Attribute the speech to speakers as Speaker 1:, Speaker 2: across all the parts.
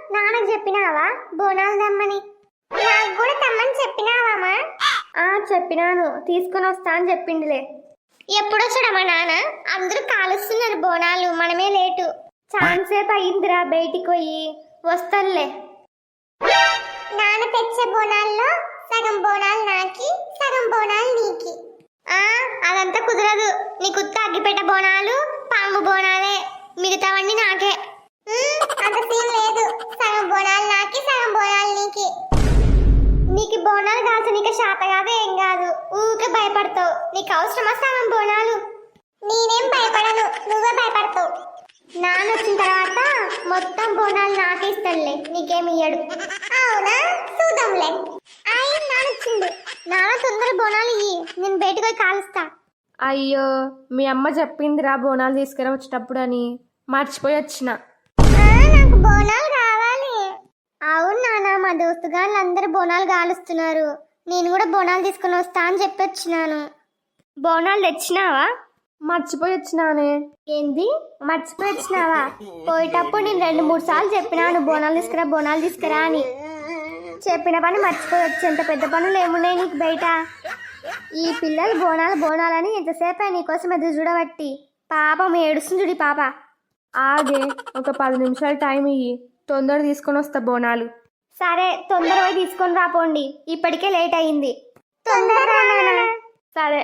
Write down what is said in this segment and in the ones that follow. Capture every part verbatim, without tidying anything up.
Speaker 1: నాన్నకు చెప్పినావా బోనాలు తెమ్మని? నాకు కూడా తెమ్మని చెప్పినావామా? ఆ చెప్పినాను, తీసుకుని వస్తా అని చెప్పిండులే. ఎప్పుడొచ్చాడా మా నాన్న? అందరూ కాలుస్తున్నారు బోనాలు, మనమే లేటు. చాలాసేపు అయ్యిందిరా బయటికి పోయి, వస్తానులే. నాన్న తెచ్చే బోనాల్లో సగం బోనాలు నాకి, సగం బోనాలు నీకి. ఆ అదంతా కుదరదు. నీకు ఉత్త అగ్గిపెట్ట బోనాలు, పాము బోనాలే, మిగతావన్నీ నాకే. అంత సీన్ లేదు. సగం బోనాలు నాకి, సగం బోనాలు నీకి. నీకు బోనాలు కాల్చు, నీకు శాత కాదు, ఏం కాదు. ఊకే భయపడతావు. నీకు అవసరమా సగం బోనాలు? నేనేం భయపడను, నువ్వే భయపడతావు. నాన్న వచ్చిన తర్వాత మొత్తం బోనాలు నాకే ఇస్తాడులే, నీకేమి ఇయ్యడు. అవునా, చూద్దాంలే. అయ్యి నాన్న వచ్చిండు. నాన్న తొందర బోనాలు ఇయ్యి, నేను బయటకు పోయి కాలుస్తా.
Speaker 2: అయ్యో, మీ అమ్మ చెప్పిందిరా బోనాలు తీసుకురా వచ్చేటప్పుడు అని, మర్చిపోయి వచ్చిన.
Speaker 1: నాకు బోనాలు కావాలి. అవును నాన్న, మా దోస్తు గాళ్ళు అందరు బోనాలు కాలుస్తున్నారు, నేను కూడా బోనాలు తీసుకుని వస్తా అని చెప్పి వచ్చినాను.
Speaker 2: బోనాలు తెచ్చినావా? మర్చిపోయి వచ్చినానే.
Speaker 1: ఏంది మర్చిపోయి వచ్చినావా? పోయేటప్పుడు నేను రెండు మూడు సార్లు చెప్పినాను బోనాలు తీసుకురా బోనాలు తీసుకురా అని. చెప్పిన పని మర్చిపోయి వచ్చి, ఎంత పెద్ద పనులు ఏమున్నాయి నీకు బయట. ఈ పిల్లలు బోనాలు బోనాలని ఎంతసేపు నీకోసం ఎదురు చూడబట్టి, పాపం ఏడుస్తుంది చూడి పాప.
Speaker 2: ఆగే, ఒక పది నిమిషాలు టైం ఇయ్యి, తొందర తీసుకొని వస్తా బోనాలు.
Speaker 1: సరే, తొందరగా తీసుకొని రాపోండి, ఇప్పటికే లేట్ అయింది. తొందరగా.
Speaker 2: సరే.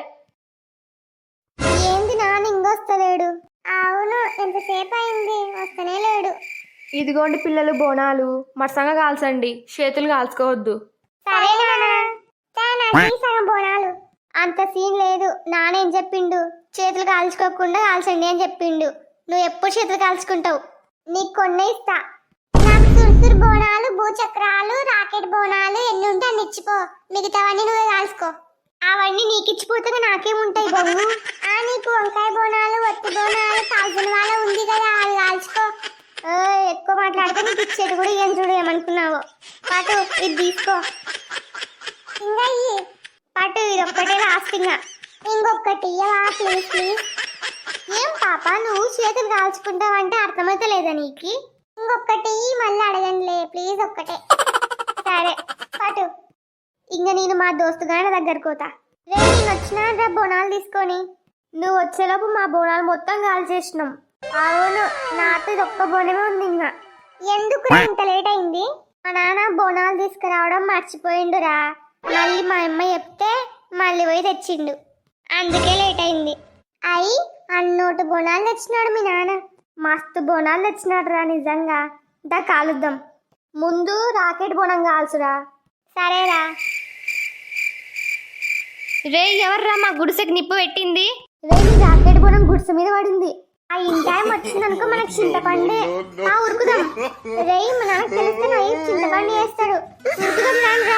Speaker 1: ఏంది నాన్న ఇంకొస్తలేడు? అవును, ఎంతసేపు అయింది, వస్తనే లేడు.
Speaker 2: ఇదిగోండి పిల్లలు బోనాలు, మరసంగా కాల్చండి, చేతులు కాల్చుకోవద్దు.
Speaker 1: సరే సగం బోనాలు. అంత సీన్ లేదు. నానేం చెప్పిండు, చేతులు కాల్చుకోకుండా కాల్చండి అని చెప్పిండు. నువ్వు ఎప్పుడు చేతులు కాల్చుకుంటావు? నీకు కొన్నే ఇస్తా. నాకు సురుసురు బోనాలు, భూచక్రాలు, రాకెట్ బోనాలు ఎన్ని ఉంటే అన్ని ఇచ్చిపో, మిగతావన్నీ నువ్వే కాల్చుకో. అవన్నీ నీకు ఇచ్చిపోతే నాకేముంటాయి బొమ్ము? ఆ నీకు వంకాయ బోనాలు, ఒత్తి బోనాలు, కాల్చిన వాళ్ళ ఉంది కదా, అవి కాల్చుకో. ఎక్కువ మాట్లాడితే నీకు ఇచ్చేది కూడా ఏం చూడు, ఏమనుకున్నావో. పాటు ఇది తీసుకో. ఇంకా ఇయ్యి పాటు, ఇది ఒక్కటే లాస్ట్. ఇంకా ఇంకొకటి ఇయ్యవా ప్లీజ్ ప్లీజ్. ఏం పాప, నువ్వు చేతులు కాల్చుకుంటావంటే అర్థమైతే లేదా నీకు? ఇంకొకటి మళ్ళీ అడగండిలే ప్లీజ్, ఒక్కటే. సరే పాటు. ఇంకా నేను మా దోస్తు గారి దగ్గరకు పోతా. రే, నేను వచ్చినా రా బోనాలు తీసుకొని. నువ్వు వచ్చేలోపు మా బోనాలు మొత్తం కాల్చేసినాం. అవును, నాతో ఇది ఒక్క బోనమే ఉంది. ఇంకా ఎందుకు ఇంత లేట్ అయింది? మా నాన్న బోనాలు తీసుకురావడం మర్చిపోయిండురా. మళ్ళీ మా అమ్మ చెప్తే మళ్ళీ పోయి తెచ్చిండు, అందుకే లేట్ అయింది. అయి అన్నోటి బోనాలు తెచ్చినాడు మీ నాన్న. మస్తు బోనాలు తెచ్చినాడు రా, నిజంగా. దా కాలుద్దాం. ముందు రాకెట్ బోనం కాల్చురా. సరేరా.
Speaker 2: రే, ఎవర్రా మా గుడిసెకి నిప్పు పెట్టింది?
Speaker 1: రే, నీ రాకెట్ బోనం గుడిసె మీద పడింది. ఆ ఇన్ టైం వచ్చిందనుకో మనకు చింతపండే. ఆ ఉరుకుదాం. రే, మా నాన్నకు తెలిస్తే నా చింతపండు వేస్తాడు. ఉరుకుదాం రాన్రా.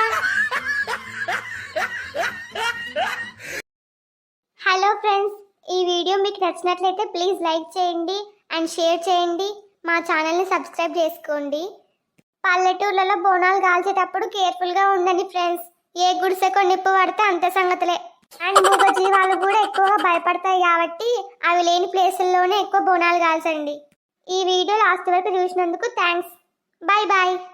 Speaker 1: హలో ఫ్రెండ్స్, ఈ వీడియో మీకు నచ్చినట్లయితే ప్లీజ్ లైక్ చేయండి అండ్ షేర్ చేయండి. మా ఛానల్ని సబ్స్క్రైబ్ చేసుకోండి. పల్లెటూర్లలో బోనాలు కాల్చేటప్పుడు కేర్ఫుల్గా ఉండండి ఫ్రెండ్స్. ఏ గుడిసెకో నిప్పు పడితే అంతే సంగతులే. అండ్ మూగ జీవాలు కూడా ఎక్కువగా భయపడతాయి కాబట్టి అవి లేని ప్లేసుల్లోనే ఎక్కువ బోనాలు కాల్చండి. ఈ వీడియో లాస్ట్ వరకు చూసినందుకు థ్యాంక్స్. Bye bye.